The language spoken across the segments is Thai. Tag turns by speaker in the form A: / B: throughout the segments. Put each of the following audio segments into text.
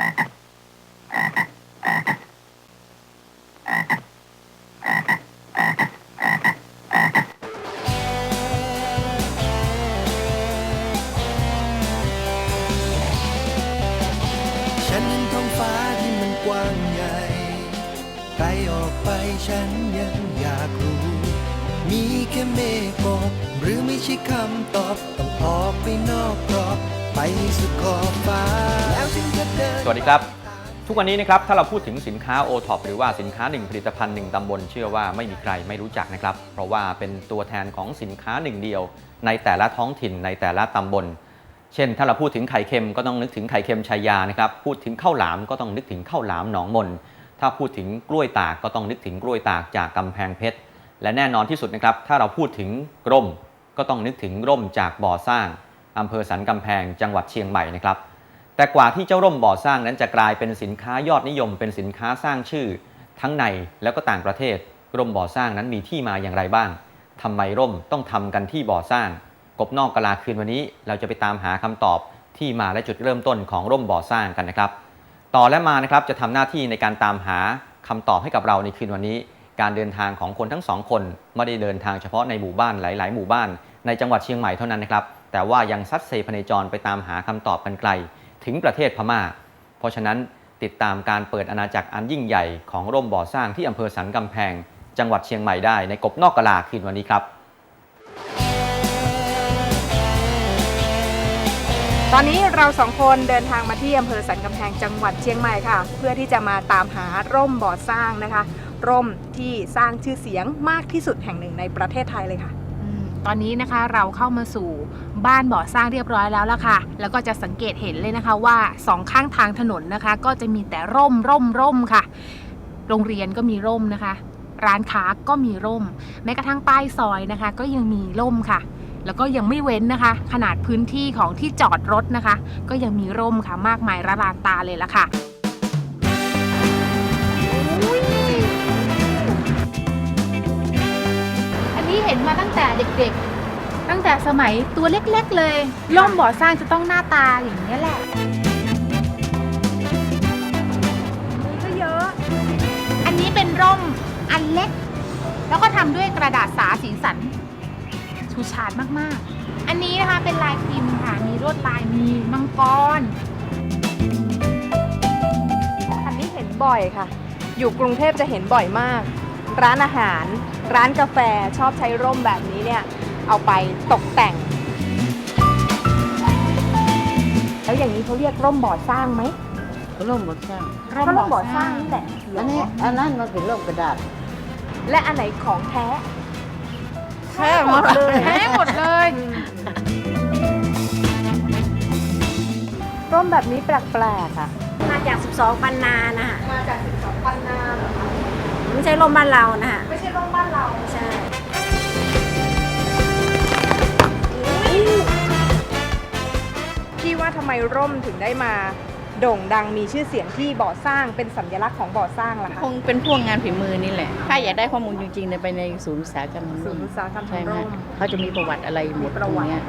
A: ฉันเห็นท้องฟ้าที่มันกว้างใหญ่ไกลออกไปฉันยังอยากรู้ มีแค่เมฆหมอกหรือไม่ใช่คำตอบต้องออกไปนอกกรอบไปสุดขอบฟ้าแล้วฉันจะเดิน
B: สวัสดีครับทุกวันนี้นะครับถ้าเราพูดถึงสินค้า O-TOP หรือว่าสินค้า1ผลิตภัณฑ์1ตำบลเชื่อว่าไม่มีใครไม่รู้จักนะครับเพราะว่าเป็นตัวแทนของสินค้าหนึ่งเดียวในแต่ละท้องถิ่นในแต่ละตำบลเช่นถ้าเราพูดถึงไข่เค็มก็ต้องนึกถึงไข่เค็มชัยยานะครับพูดถึงข้าวหลามก็ต้องนึกถึงข้าวหลามหนองมนถ้าพูดถึงกล้วยตากก็ต้องนึกถึงกล้วยตากจากกำแพงเพชรและแน่นอนที่สุดนะครับถ้าเราพูดถึงร่มก็ต้องนึกถึงร่มจากบ่อสร้างอำเภอสันกำแพงจังหวัดเชียงใหม่นะครับแต่กว่าที่เจ้าร่มบ่อสร้างนั้นจะกลายเป็นสินค้ายอดนิยมเป็นสินค้าสร้างชื่อทั้งในแล้วก็ต่างประเทศร่มบ่อสร้างนั้นมีที่มาอย่างไรบ้างทำไมร่มต้องทำกันที่บ่อสร้างกบนอกกะลาคืนวันนี้เราจะไปตามหาคำตอบที่มาและจุดเริ่มต้นของร่มบ่อสร้างกันนะครับต่อและมานะครับจะทำหน้าที่ในการตามหาคำตอบให้กับเราในคืนวันนี้การเดินทางของคนทั้งสองคนไม่ได้เดินทางเฉพาะในหมู่บ้านหลายๆหมู่บ้านในจังหวัดเชียงใหม่เท่านั้นนะครับแต่ว่ายังซัดเซพเนจรไปตามหาคำตอบกันไกลถึงประเทศพม่าเพราะฉะนั้นติดตามการเปิดอาณาจักรอันยิ่งใหญ่ของร่มบ่อสร้างที่อำเภอสันกำแพงจังหวัดเชียงใหม่ได้ในกบนอกกะลาคืนวันนี้ครับ
C: ตอนนี้เราสองคนเดินทางมาที่อำเภอสันกำแพงจังหวัดเชียงใหม่ค่ะเพื่อที่จะมาตามหาร่มบ่อสร้างนะคะร่มที่สร้างชื่อเสียงมากที่สุดแห่งหนึ่งในประเทศไทยเลยค่ะ
D: ตอนนี้นะคะเราเข้ามาสู่บ้านบ่อสร้างเรียบร้อยแล้วล่ะค่ะแล้วก็จะสังเกตเห็นเลยนะคะว่าสองข้างทางถนนนะคะก็จะมีแต่ร่มค่ะโรงเรียนก็มีร่มนะคะร้านค้าก็มีร่มแม้กระทั่งป้ายซอยนะคะก็ยังมีร่มค่ะแล้วก็ยังไม่เว้นนะคะขนาดพื้นที่ของที่จอดรถนะคะก็ยังมีร่มค่ะมากมายระลานตาเลยล่ะค่ะอันนี้เห็นมาตั้งแต่เด็กๆตั้งแต่สมัยตัวเล็กๆเลยร่มบ่อสร้างจะต้องหน้าตาอย่างนี้แหละ
C: นี่ก็เยอะ
D: อันนี้เป็นร่มอันเล็กแล้วก็ทำด้วยกระดาษสาสีสันชูชาดมากๆอันนี้นะคะเป็นลายพิมพ์ค่ะมีลวดลายมีมังกร
C: อันนี้เห็นบ่อยค่ะอยู่กรุงเทพจะเห็นบ่อยมากร้านอาหารร้านกาแฟชอบใช้ร่มแบบนี้เนี่ยเอาไปตกแต่งแล้วอย่างนี้เขาเรียกร่มบ่อสร้างไหม
E: ร่มบ่อสร้าง
C: ร่มบ่อสร้างนี่แหละ
E: อันนั้นมันเป็นร่มกระดาษ
C: และอันไหนของแท้
E: แท้หมดเลย
D: แท้หมดเลย
C: ร่มแบบนี้แปลกๆค่ะ
F: มาจาก12 ปันนานะฮะ
C: มาจาก12 ปันนา
F: ไม่ใช่ร่มบ้านเรานะฮะ
C: ไม่ใช่ร่มบ้านเรา
F: ใช่
C: พี่ว่าทำไมร่มถึงได้มาโด่งดังมีชื่อเสียงที่บ่อสร้างเป็นสัญลักษณ์ของบ่อสร้างล่ะคะ
E: คงเป็นพวกงานฝีมือนี่แหละถ้าอยากได้ข้อมูลจริงๆเนี่ยไปในศูนย์อุตสาหกรรม
C: ศูนย์อุตสาหกรรม
E: ใช่ไหม
C: ร่ม
E: เขาจะมีประวัติอะไรหมดตรงนี้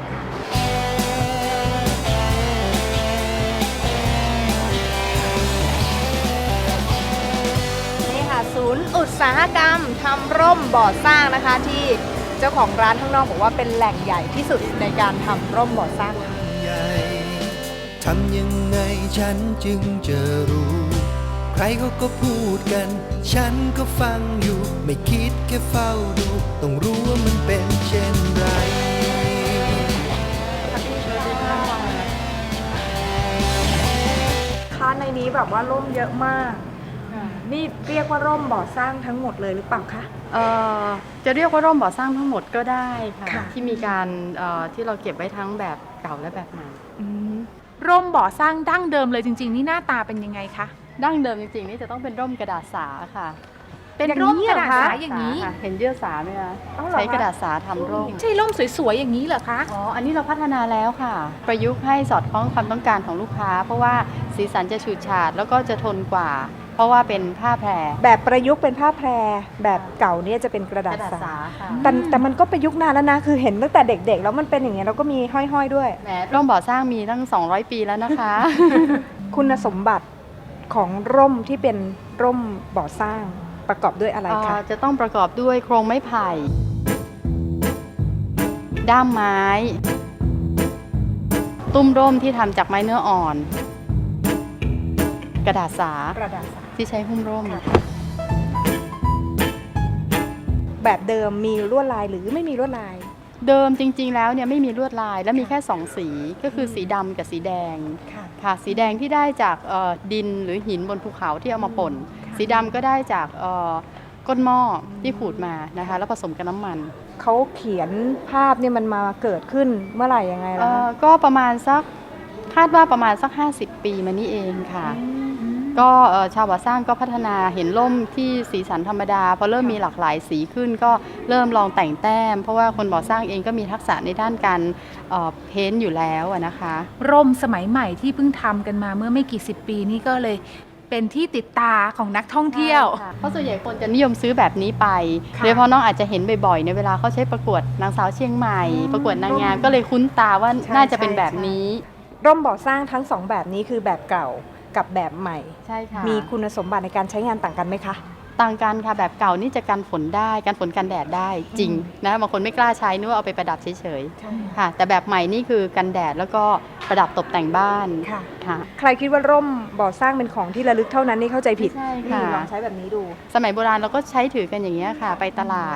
C: นี่ค่ะศูนย์อุตสาหกรรมทำร่มบ่อสร้างนะคะที่เจ้าของร้านข้างนอกบอกว่าเป็นแหล่งใหญ่ที่สุดในการทำร่มบ่อสร้าง
A: ทำยังไงฉันจึงจะรู้ใครเขาก็พูดกันฉันก็ฟังอยู่ไม่คิดแค่เฝ้าดูต้องรู้ว่ามันเป็นเช่นไร
C: ค้าในนี้แบบว่าร่มเยอะมากนี่เรียกว่าร่มบ่อสร้างทั้งหมดเลยหรือเปล่าคะ
G: จะเรียกว่าร่มบ่อสร้างทั้งหมดก็ได้ค่ะ
C: ค่ะ
G: ที่มีการที่เราเก็บไว้ทั้งแบบเก่าและแบบใหม่
D: ร่มบ่อสร้างดั้งเดิมเลยจริงๆนี่หน้าตาเป็นยังไงคะ
G: ดั้งเดิมจริงๆนี่จะต้องเป็นร่มกระดาษสาค่ะ
D: เป็นร่มกระดาษสาอย่างนี้
G: เห็นเยื่อสาไหมคะใช้กระดาษสาทำร่ม
D: ใช่ร่มสวยๆอย่างนี้เหรอคะ
G: อ๋ออันนี้เราพัฒนาแล้วค่ะประยุกต์ให้สอดคล้องความต้องการของลูกค้าเพราะว่าสีสันจะฉูดฉาดแล้วก็จะทนกว่าเพราะว่าเป็นผ้าแพร
C: แบบประยุกต์เป็นผ้าแพรแบบเก่าเนี่ยจะเป็นกระดาษสาแต่มันก็ประยุกต์นานแล้วนะคือเห็นตั้งแต่เด็กๆแล้วมันเป็นอย่างเงี้ยแล้วก็มีห้อยๆด้วย
G: แหมร่มบ่อสร้างมีตั้ง200 ปีแล้วนะคะ
C: คุณสมบัติของร่มที่เป็นร่มบ่อสร้างประกอบด้วยอะไรคะ
G: จะต้องประกอบด้วยโครงไม้ไผ่ ด้ามไม้ ตุ้มร่มที่ทำจากไม้เนื้ออ่อน กระดาษสาก
C: ระดาษสา
G: ที่ใช้หุ้มร่ม
C: แบบเดิมมีลวดลายหรือไม่มีลวดลาย
G: เดิมจริงๆแล้วเนี่ยไม่มีลวดลายและมีแค่2สีก็คือสีดำกับสีแดง
C: ค่ะ
G: ค่ะสีแดงที่ได้จากดินหรือหินบนภูเขาที่เอามาป่น สีดำก็ได้จากก้นหม้อที่ขูดมานะคะแล้วผสมกับน้ำมัน
C: เขาเขียนภาพเนี่ยมันมาเกิดขึ้นเมื่อไหร่ยังไงล่ะคะ
G: ก็ประมาณสักคาดว่าประมาณสัก50 ปีมานี้เองค่ะ ก็ชาวบ่อสร้างก็พัฒนาเห็นร่มที่สีสันธรรมดาพอเริ่มมีหลากหลายสีขึ้นก็เริ่มลองแต่งแต้ม เพราะว่าคนบ่อสร้างเองก็มีทักษะในด้านการเพ้นท์อยู่แล้วนะคะ
D: ร่มสมัยใหม่ที่เพิ่งทำกันมาเมื่อไม่กี่สิบปีนี้ก็เลยเป็นที่ติดตาของนักท่องเที่ยว
G: เพราะส่วนใหญ่คนจะนิยมซื้อแบบนี้ไป
C: ค่ะ
G: โดยเฉพาะน้องอาจจะเห็นบ่อยๆในเวลาเขาใช้ประกวดนางสาวเชียงใหม่ ประกวดนางงามก็เลยคุ้นตาว่า
C: ใช่
G: น่าจะเป็น
C: ใช่
G: แบบนี้
C: ร่มบ่อสร้างทั้งสองแบบนี้คือแบบเก่ากับแบบใหม่
G: ใช่ค่ะ
C: มีคุณสมบัติในการใช้งานต่างกันไหมคะ
G: ต่างกันค่ะแบบเก่านี่จะกันฝนได้กันฝนกันแดดได้จริงนะบางคนไม่กล้าใช้นึกว่าเอาไปประดับเฉยๆค่ะ แต่แบบใหม่นี่คือกันแดดแล้วก็ประดับตกแต่งบ้าน
C: ค่ะ
G: ค่ะ
C: ใครคิดว่าร่มบ่อสร้างเป็นของที่ระลึกเท่านั้นนี่เข้าใจผิด
G: ไม่ใช่ค่ะ
C: นี่ลองใช้แบบนี้ดู
G: สมัยโบราณเราก็ใช้ถือกันอย่างนี้ยค่ะ ไปตลาด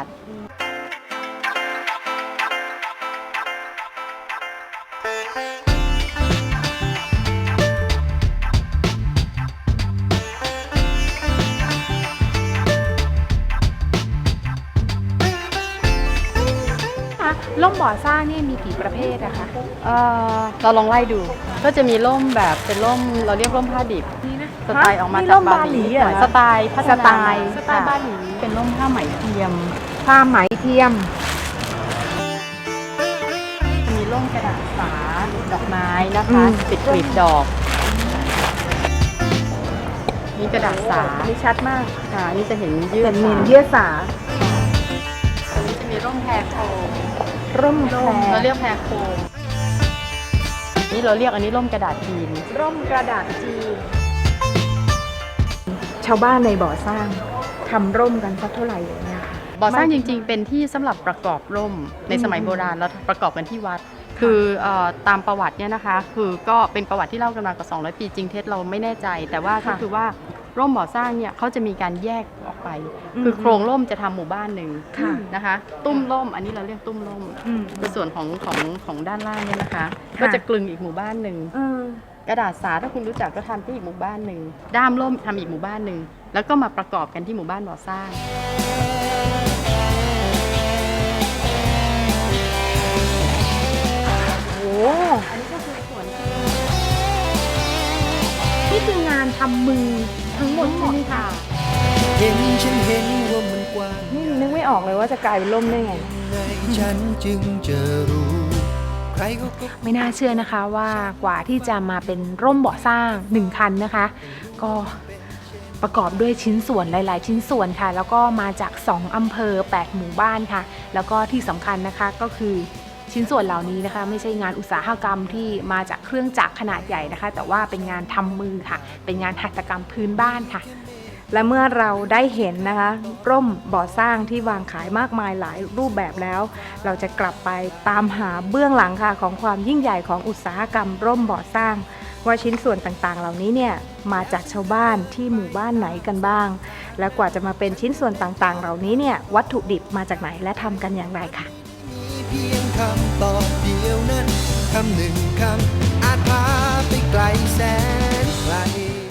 D: ร่มบ่อสร้างนี่มีกี่ประเภทอะคะ
G: เราลองไล่ดู ก็จะมีร่มแบบเป็นร่มเราเรียกร่มผ้าดิบ
D: นี่นะ
G: สไตล์ออกมา
C: นี่
G: จา
C: ร่
G: ก
C: ม
G: บา
C: บา
G: ห
C: หลี
G: ลี
C: เหรอ
G: สไตล์พัฒนา
D: สไตล์บาหลี
G: เป็นร่มผ้าไหมเทียม
C: ผ้าไหมเทียม
G: มีร่มกระดาษสาดอกไม้นะคะ ปิดกลีบดอกนี่กระดาษสา
C: นี่ชัดมาก
G: ค่ะนี่จะเห็นยื
C: เป็
G: ด
C: นเมนเยื่อสา
G: อันนี้จะมีร่มแพรโคม
C: ร่มแพร
G: เราเรียกแพรโคมนี่เราเรียกอันนี้ร่มกระดาษจีน
C: ร่มกระดาษจีน ชาวบ้านในบ่อสร้างทำร่มกันสักเท่าไหร่อย่างเงี้ยค่ะ
G: บ่อสร้างจริงๆ เป็นที่สำหรับประกอบร่มในสมัยโบราณแล้วประกอบกันที่วัด คือตามประวัติเนี่ยนะคะ คือก็เป็นประวัติที่เล่ากันมากว่า200 ปีจริงเท็จเราไม่แน่ใจ แต่ว่าก็คือว่าร่มบ่อสร้างเนี่ยเขาจะมีการแยกออกไป คือโครงร่มจะทำหมู่บ้านหนึ่ง
C: ค่ะ
G: นะคะ ตุ้มร่มอันนี้เราเรียกตุ้มร่ม
C: อืม
G: ในส่วนของด้านล่างเนี่ยนะคะ ก็จะกลึงอีกหมู่บ้านหนึ่ง
C: เออก
G: ระดาษสาถ้าคุณรู้จักก็ทำที่อีกหมู่บ้านหนึ่งด้ามร่มทำอีกหมู่บ้านหนึ่งแล้วก็มาประกอบกันที่หมู่บ้านบ่อสร้าง
C: โอ้
D: นี่คืองานทำมือทั้งหมดใช่ไหมคะ
A: เห็นฉันเห็นว่ามันกว้าง
C: นี่นึกไม่ออกเลยว่าจะกลายเป็นร่มได้ไง
A: ไงฉันจึงจะรู้ ใครเขาก็
D: ไม่น่าเชื่อนะคะว่ากว่าที่จะมาเป็นร่มบ่อสร้าง1คันนะคะ ก็ประกอบด้วยชิ้นส่วนหลาย ๆ ชิ้นส่วนค่ะ แล้วก็มาจาก2อำเภอ8หมู่บ้านค่ะ แล้วก็ที่สำคัญนะคะก็คือชิ้นส่วนเหล่านี้นะคะ ไม่ใช่งานอุตสาหกรรมที่มาจากเครื่องจักรขนาดใหญ่นะคะ แต่ว่าเป็นงานทำมือค่ะ เป็นงานหัตถกรรมพื้นบ้านค่ะ
C: และเมื่อเราได้เห็นนะคะ ร่มบ่อสร้างที่วางขายมากมายหลายรูปแบบแล้ว เราจะกลับไปตามหาเบื้องหลังค่ะของความยิ่งใหญ่ของอุตสาหกรรมร่มบ่อสร้าง ว่าชิ้นส่วนต่างๆ เหล่านี้เนี่ยมาจากชาวบ้านที่หมู่บ้านไหนกันบ้าง และกว่าจะมาเป็นชิ้นส่วนต่างๆ เหล่านี้เนี่ยวัตถุดิบมาจากไหนและทำกันอย่างไรค่ะ
A: มีเพียงคำตอบเดียวนั้น คำหนึ่งคำอาจพาไปไกลแสนไกล